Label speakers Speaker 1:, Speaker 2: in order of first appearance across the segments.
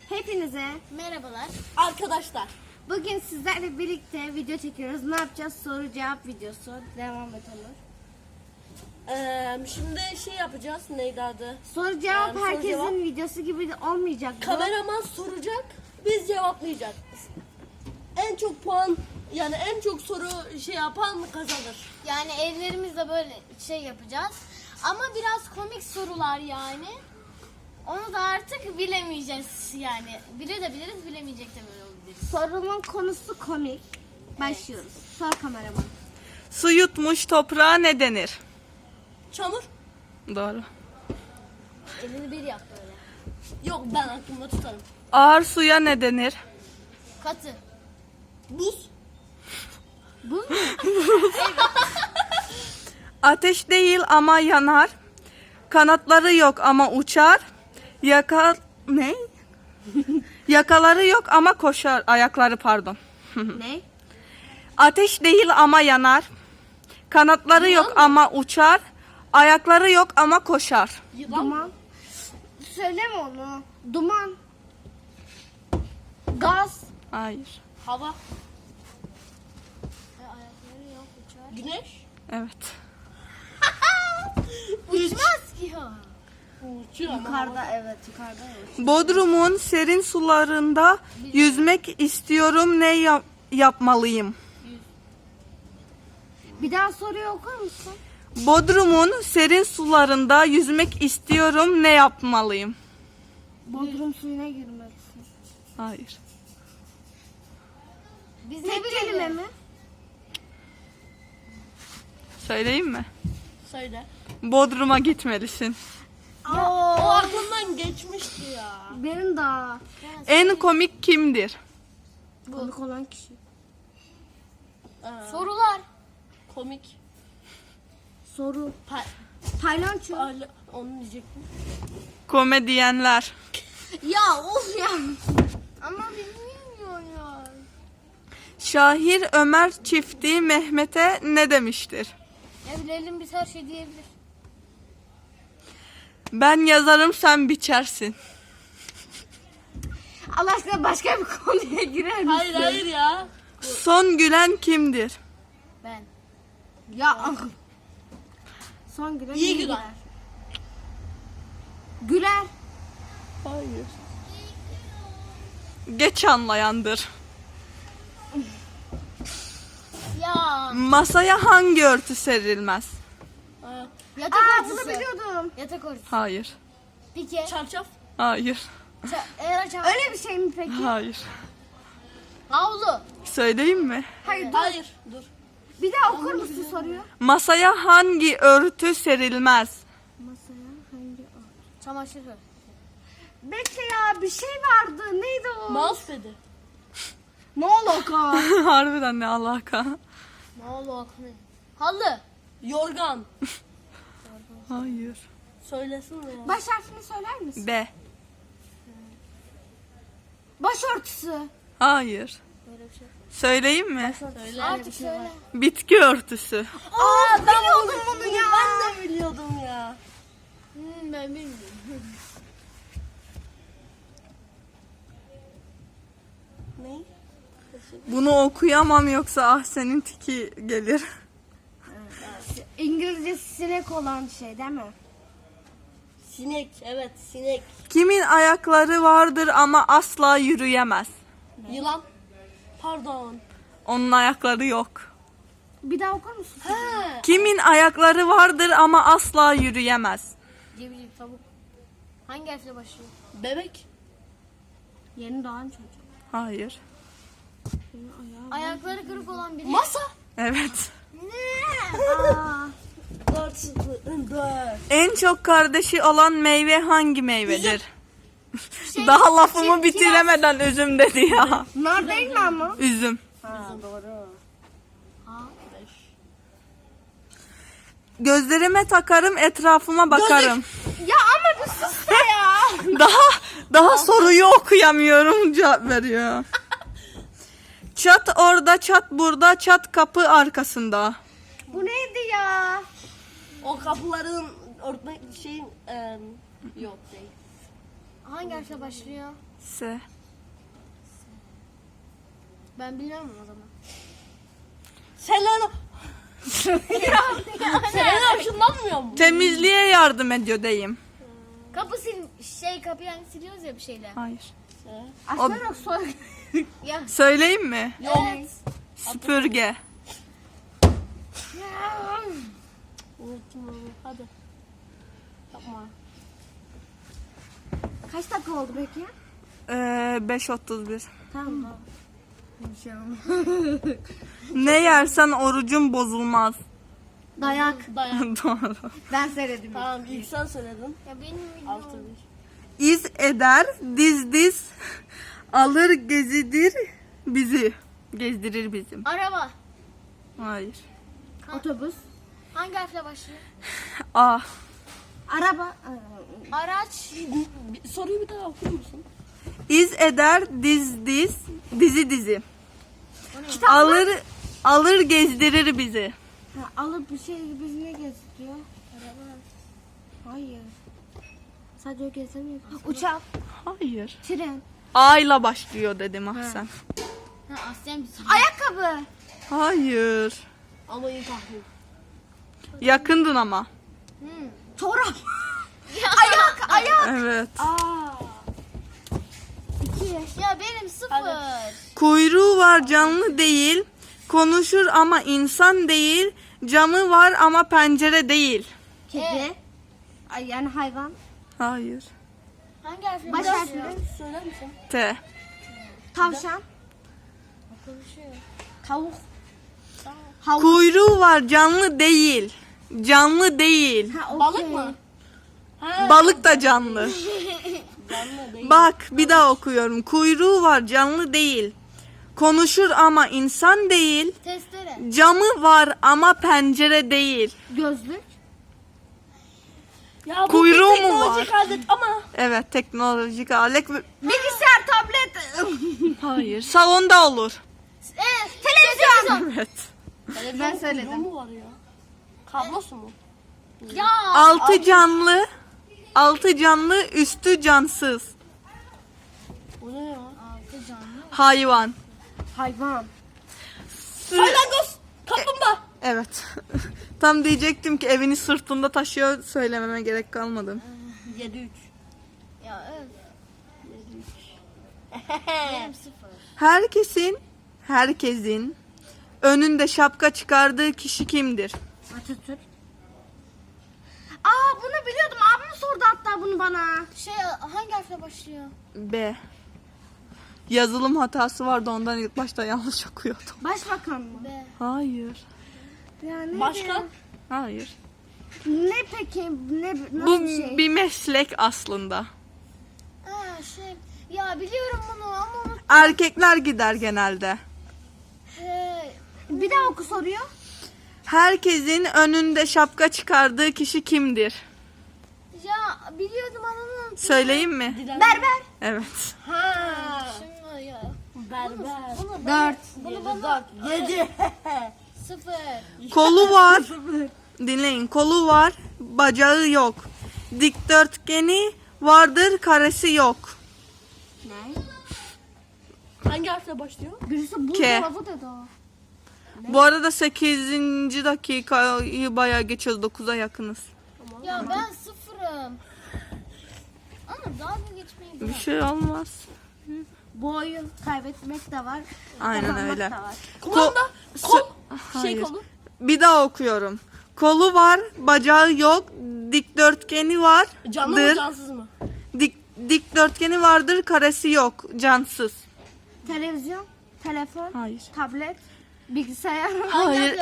Speaker 1: Hepinize
Speaker 2: Merhabalar.
Speaker 3: Arkadaşlar,
Speaker 1: bugün sizlerle birlikte video çekiyoruz. Ne yapacağız? Soru cevap videosu. Devam et Onur.
Speaker 3: şimdi şey yapacağız. Neydi adı?
Speaker 1: Soru cevap
Speaker 3: soru
Speaker 1: herkesin
Speaker 3: cevap.
Speaker 1: videosu gibi de olmayacak. bu.
Speaker 3: Kameraman soracak, biz cevaplayacağız. En çok puan, yani en çok soru şey yapan kazanır.
Speaker 2: Yani ellerimizle böyle şey yapacağız. Ama biraz komik sorular yani. Onu da artık bilemeyeceğiz yani. Bilebiliriz, bilemeyecek de böyle olabiliriz.
Speaker 1: Sorunun konusu komik. Başlıyoruz. Sor kameraman.
Speaker 4: Su yutmuş toprağa ne denir?
Speaker 3: Çamur?
Speaker 4: Doğru.
Speaker 2: Elini bir yap böyle.
Speaker 3: Yok, ben aklımda tutarım.
Speaker 4: Ağır suya ne denir?
Speaker 2: Katı.
Speaker 3: Buz?
Speaker 4: Ateş değil ama yanar. Kanatları yok ama uçar. Ne? Yakaları yok ama koşar. Ayakları pardon.
Speaker 1: Ne?
Speaker 4: Ateş değil ama yanar. Kanatları yok ama uçar. Ayakları yok ama koşar.
Speaker 3: Yılan?
Speaker 1: Duman. Söyleme onu. Duman. Gaz.
Speaker 4: Hayır.
Speaker 3: Hava?
Speaker 2: Ayakları yok uçar.
Speaker 3: Güneş?
Speaker 4: Evet.
Speaker 2: Uçmaz ki o.
Speaker 3: Uçuyor ama hava.
Speaker 1: Yukarıda evet yukarıda evet.
Speaker 4: Bodrum'un serin sularında yüzmek istiyorum. Ne yapmalıyım?
Speaker 1: Bir daha soruyu okur musun?
Speaker 4: Bodrum'un serin sularında yüzmek istiyorum. Ne yapmalıyım?
Speaker 1: Bodrum suyuna girmelisin.
Speaker 4: Hayır.
Speaker 2: Biz
Speaker 1: Tek kelime mi?
Speaker 4: Söyleyeyim mi?
Speaker 3: Söyle.
Speaker 4: Bodrum'a gitmelisin.
Speaker 3: O aklımdan geçmişti ya.
Speaker 1: Benim daha
Speaker 4: En komik kimdir?
Speaker 1: komik olan kişi.
Speaker 2: Sorular.
Speaker 3: Komik.
Speaker 1: Soru.
Speaker 3: Pa
Speaker 1: Paylanço.
Speaker 3: onu diyecektim.
Speaker 4: Komedyenler.
Speaker 2: Ya of ya. Ama bilmiyorum ya.
Speaker 4: Şahir Ömer çifti Mehmet'e ne demiştir?
Speaker 2: Ya bilelim biz her şey diyebilir.
Speaker 4: Ben yazarım sen biçersin.
Speaker 1: Allah aşkına başka bir konuya girer misin?
Speaker 3: Hayır ya.
Speaker 4: Son gülen kimdir?
Speaker 2: Ben.
Speaker 1: Ya son gülen
Speaker 3: İyi
Speaker 1: iyi
Speaker 3: gülen.
Speaker 1: güler. Güler.
Speaker 4: Hayır. Geç anlayandır.
Speaker 2: Ya.
Speaker 4: Masaya hangi örtü serilmez?
Speaker 2: Yatak
Speaker 1: Bunu
Speaker 2: örtüsü.
Speaker 1: biliyordum.
Speaker 2: Yatak örtüsü.
Speaker 4: Hayır.
Speaker 2: Pike.
Speaker 3: Çarşaf?
Speaker 4: Hayır.
Speaker 1: Öyle bir şey mi peki?
Speaker 4: Hayır.
Speaker 2: Havlu.
Speaker 4: Söyleyeyim mi?
Speaker 1: Hayır dur.
Speaker 3: Hayır. Dur.
Speaker 1: Bir daha okur musun soruyu?
Speaker 4: Masaya hangi örtü serilmez?
Speaker 1: Masaya hangi o?
Speaker 2: Çamaşır örtüsü.
Speaker 1: Bekle ya bir şey vardı. Neydi o?
Speaker 3: Mousepad'i.
Speaker 1: Ne alaka?
Speaker 4: Harbiden ne alaka?
Speaker 2: Ne oldu aklına? Halı.
Speaker 3: Yorgan.
Speaker 4: Hayır.
Speaker 3: Söylesin ya.
Speaker 1: Baş harfini söyler misin?
Speaker 4: B.
Speaker 1: Başörtüsü.
Speaker 4: Hayır.
Speaker 2: Böyle bir şey.
Speaker 4: Söyleyeyim mi?
Speaker 3: Söyle.
Speaker 2: Artık söyle.
Speaker 4: Bitki örtüsü.
Speaker 1: Aa ben biliyordum bunu ya.
Speaker 3: Ben de biliyordum ya.
Speaker 2: Ben bilmiyorum.
Speaker 3: Ne?
Speaker 4: Bunu okuyamam yoksa ah senin tiki gelir.
Speaker 1: İngilizce sinek olan şey değil mi?
Speaker 3: Sinek. Evet, sinek.
Speaker 4: Kimin ayakları vardır ama asla yürüyemez?
Speaker 3: Yılan. Pardon.
Speaker 4: Onun ayakları yok.
Speaker 1: Bir daha okur musun?
Speaker 3: He.
Speaker 4: Kimin ayakları vardır ama asla yürüyemez?
Speaker 2: Cebicik tavuk. Hangi harfle başlıyor?
Speaker 3: Bebek.
Speaker 1: Yeni doğan çocuk.
Speaker 4: Hayır.
Speaker 2: Ayakları kırık olan biri.
Speaker 3: Masa.
Speaker 4: Evet.
Speaker 1: Aa,
Speaker 3: 4.
Speaker 4: En çok kardeşi olan meyve hangi meyvedir? Daha lafımı bitiremeden üzüm dedi ya.
Speaker 1: nar değil mi ama?
Speaker 4: Üzüm.
Speaker 1: Ha doğru.
Speaker 2: Ha.
Speaker 3: 5.
Speaker 4: Gözlerime takarım, etrafıma bakarım.
Speaker 1: Ya ama bir sus da ya.
Speaker 4: Daha soruyu okuyamıyorum, cevap veriyor. Çat orada, çat burada, çat kapı arkasında.
Speaker 1: Bu neydi ya?
Speaker 3: O kapıların örtmek şeyin yok değil.
Speaker 2: Hangi harfle başlıyor?
Speaker 4: S.
Speaker 2: Ben bilmiyorum o zaman.
Speaker 3: Selena. Selena ışınlanmıyor mu?
Speaker 4: Temizliğe yardım ediyor diyeyim.
Speaker 2: Kapı kapıyı hani siliyoruz ya bir şeyle.
Speaker 4: Hayır.
Speaker 1: Aslında sor.
Speaker 2: Ya.
Speaker 4: Söyleyeyim mi?
Speaker 2: Evet.
Speaker 4: Süpürge.
Speaker 3: Unuttum onu. Hadi. Yapma.
Speaker 1: Kaç dakika oldu peki?
Speaker 4: 5.31.
Speaker 1: Tamam.
Speaker 4: Ne yersen orucun bozulmaz.
Speaker 1: Dayak.
Speaker 3: Dayan.
Speaker 4: Doğru.
Speaker 1: Ben söyledim.
Speaker 3: Tamam ilk sen söyledin.
Speaker 2: Ya benim
Speaker 3: 6-1.
Speaker 4: İz eder, diz alır gezidir bizi. Gezdirir bizim.
Speaker 2: Araba.
Speaker 4: Hayır.
Speaker 1: Otobüs.
Speaker 2: Hangi harfle başlıyor?
Speaker 4: A.
Speaker 1: Araba.
Speaker 2: Araç.
Speaker 3: Soruyu bir daha okur musun?
Speaker 4: İz eder, dizi. Alır gezdirir bizi.
Speaker 1: Ha, alıp bir şey bizi ne gezdiriyor? Araba. Hayır. Sadece o gezemiyor. Uçak.
Speaker 4: Hayır.
Speaker 1: Tren.
Speaker 4: A ile başlıyor dedim Ahsen.
Speaker 2: Ha, Aslen bir soru.
Speaker 1: Ayakkabı.
Speaker 4: Hayır.
Speaker 3: Ama iyi tahmin.
Speaker 4: Yakındın ama.
Speaker 1: Çorap.
Speaker 4: Evet.
Speaker 1: Aa. 2.
Speaker 2: Ya benim 0.
Speaker 4: Kuyruğu var canlı değil. Konuşur ama insan değil. Camı var ama pencere değil.
Speaker 1: Kedi. Ay, yani hayvan.
Speaker 4: Hayır.
Speaker 2: Hangi harfle
Speaker 1: Baş
Speaker 2: başlıyor?
Speaker 1: harfleri.
Speaker 3: Söyler misin?
Speaker 4: T.
Speaker 1: Tavşan.
Speaker 2: Konuşuyor.
Speaker 1: Tavuk. Havuk.
Speaker 4: Kuyruğu var canlı değil. Canlı değil.
Speaker 1: Ha, okey.
Speaker 3: Balık mı?
Speaker 4: Balık da canlı.
Speaker 3: Canlı değil.
Speaker 4: Bak bir daha okuyorum. Kuyruğu var canlı değil. Konuşur ama insan değil.
Speaker 2: Testere.
Speaker 4: Camı var ama pencere değil.
Speaker 1: Gözlük.
Speaker 3: Ya bu
Speaker 4: Kuyruğu
Speaker 3: bir
Speaker 4: mu
Speaker 3: teknolojik alet ama.
Speaker 4: Evet teknolojik alet.
Speaker 1: Bilgisayar, tablet.
Speaker 4: Hayır. Salonda olur.
Speaker 1: Televizyon.
Speaker 4: Evet.
Speaker 3: Televizyon
Speaker 1: söyledim.
Speaker 3: kuyruğu mu var ya? Kablosu mu?
Speaker 2: Ya.
Speaker 4: Altı canlı, üstü cansız.
Speaker 3: O ne ya?
Speaker 2: 6 canlı.
Speaker 4: Hayvan.
Speaker 1: Hayvan.
Speaker 3: Salyangoz. Kaplumbağa.
Speaker 4: Evet. Tam diyecektim ki evini sırtında taşıyor, söylememe gerek kalmadı.
Speaker 3: 7-3.
Speaker 2: Ya evet.
Speaker 3: 7-3.
Speaker 2: Benim 0.
Speaker 4: Herkesin önünde şapka çıkardığı kişi kimdir?
Speaker 1: Atatürk. Aa, bunu biliyordum. Abim sordu hatta bunu bana.
Speaker 2: Hangi harfle başlıyor?
Speaker 4: B. Yazılım hatası vardı, ondan ilk başta yanlış okuyordum.
Speaker 1: Başbakan mı?
Speaker 2: B.
Speaker 4: Hayır.
Speaker 1: Yani
Speaker 3: Başka?
Speaker 4: Hayır.
Speaker 1: Ne peki? Nasıl
Speaker 4: Bu
Speaker 1: bir şey?
Speaker 4: bir meslek aslında.
Speaker 2: Ha Ya biliyorum bunu ama
Speaker 4: Erkekler gider genelde.
Speaker 1: Bir daha oku soruyor.
Speaker 4: Herkesin önünde şapka çıkardığı kişi kimdir?
Speaker 2: ya biliyordum ama unuttum.
Speaker 4: Söyleyeyim mi?
Speaker 1: Berber.
Speaker 4: Evet.
Speaker 3: Ha.
Speaker 2: Şimdi ya.
Speaker 3: Berber.
Speaker 1: 4.
Speaker 3: 7.
Speaker 2: 0.
Speaker 4: Kolu var. Dinleyin. Kolu var, bacağı yok. Dikdörtgeni vardır, karesi yok.
Speaker 1: Ne?
Speaker 3: Hangi harfle başlıyor?
Speaker 1: Birisi bu
Speaker 4: K.
Speaker 1: dolabı dedi o.
Speaker 4: Bu arada 8. dakikayı bayağı geçiyoruz. 9'a yakınız.
Speaker 2: Ya ben 0'ım. Ama dalga geçmeyi
Speaker 4: Bir
Speaker 2: bırak.
Speaker 4: şey olmaz.
Speaker 1: Bu oyun kaybetmek de var.
Speaker 4: Aynen
Speaker 1: kazanmak
Speaker 4: öyle.
Speaker 1: da var.
Speaker 3: Kumanda. Kol.
Speaker 4: Hayır.
Speaker 3: Kolu.
Speaker 4: Bir daha okuyorum. Kolu var, bacağı yok. Dikdörtgeni var.
Speaker 3: Canlı mı cansız mı?
Speaker 4: Dikdörtgeni vardır, karesi yok. Cansız.
Speaker 1: Televizyon, telefon,
Speaker 4: Hayır.
Speaker 1: tablet, bilgisayar.
Speaker 4: Hayır.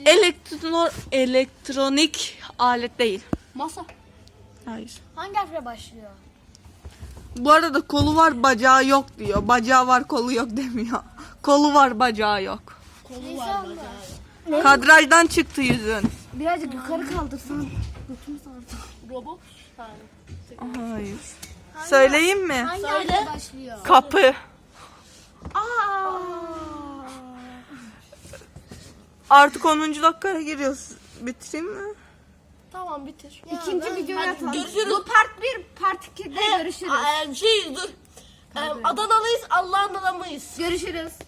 Speaker 4: Elektronik alet değil.
Speaker 3: Masa.
Speaker 4: Hayır.
Speaker 2: Hangi harfle başlıyor?
Speaker 4: Bu arada kolu var, bacağı yok diyor. Bacağı var, kolu yok demiyor. Kolu var, bacağı yok.
Speaker 3: Kolu var bacağı.
Speaker 4: Kadrajdan çıktı yüzün.
Speaker 1: Birazcık yukarı kaldırsan. Götümü sardı.
Speaker 3: Robot. Yani.
Speaker 4: Hayır. Söyleyeyim mi?
Speaker 2: Hangi
Speaker 3: Söyle.
Speaker 2: harfle başlıyor?
Speaker 4: Kapı.
Speaker 1: Aa.
Speaker 4: Artık 10. dakikaya giriyoruz. Bitireyim mi?
Speaker 3: Tamam bitir.
Speaker 1: İkinci videoyu atalım.
Speaker 3: görüşürüz.
Speaker 1: Bu part 1, part 2'de görüşürüz.
Speaker 3: Dur. Adanalıyız, Allah'ın adamıyız.
Speaker 1: Görüşürüz.